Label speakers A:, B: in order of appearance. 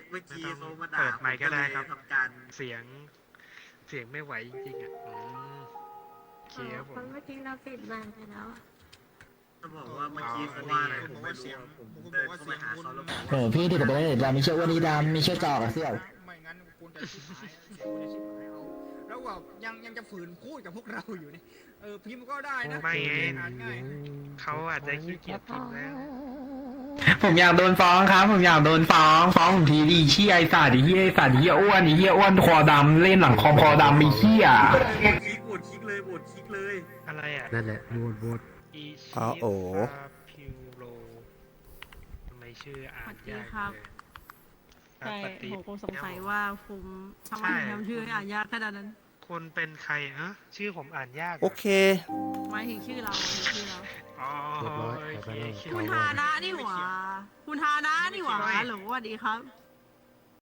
A: เมื่อกี้เขามา
B: เปิ
A: ด่า
B: ดไมค์ก็ได้ครับ
A: ทำการ
B: เสียงไม่ไหวจริงๆอ่ะโอเคครับผม
C: เมื่อกี้เราปิดไมค์ไปแล้ว
A: จะบอกว่าเมื่อกี้เขาว่าอะไรผมไม่รู้ผมเดินเข้าไปหาเขาแล้วบอก
D: โอ้พี่เดี๋ยวไปเลยดำมีเชือกวันนี้ดำมีเชือกจอกอะเสี่ยว
E: ไม่งั้นคุณจะชิบหายเสียงคุณจะชิบหายเอาแล้วแบบยังจะฝืนพูดกับพวกเราอยู่นี่พิมพ์ก็ได้นะ
B: ไม่ไง
E: อ่านง่าย
B: เขาอาจจะขี้เกียจพิมพ์แล้ว
D: ผมอยากโดนฟ้องครับ ผมอยากโดนฟ้องผมทีดิเชี่ยไอ้สัตว์ไอ้เหี้ยไอ้สัตว์ไอ้เหี้ยอ้วนไอ้เหี้ยอ้วนคอดำเล่นหลังคอดำไอ้เหี้ย
A: โหวตคลิกเลยโหวตคลิกเลย
B: อะไรอ่ะ
F: นั่นแหละโหวต
B: อีชิ
F: อ๋อโอ้
B: ฟาพิวโรทำไมชื่ออ่านยาก
C: ครับ
B: เลย
C: ใช่
B: ปฏิ
C: ผมคงสงสัยว่าผมทำไมถึงทำชื่อให้อ่านยากขนาดนั้น
B: คุณเป็นใครฮะชื่อผมอ่านยากหร
F: โอเค
C: หมายถึงชื่อเราหมายถึงชื่อเรา
B: อ๋อ
F: เรียบร้อย
B: โอเค
F: ไปแล้ว
B: คิด
C: คุณ
B: ว่า
C: ฮานะนี่หว่าคุณฮานะนี่หว่าฮัลโหลสวัสดีครับ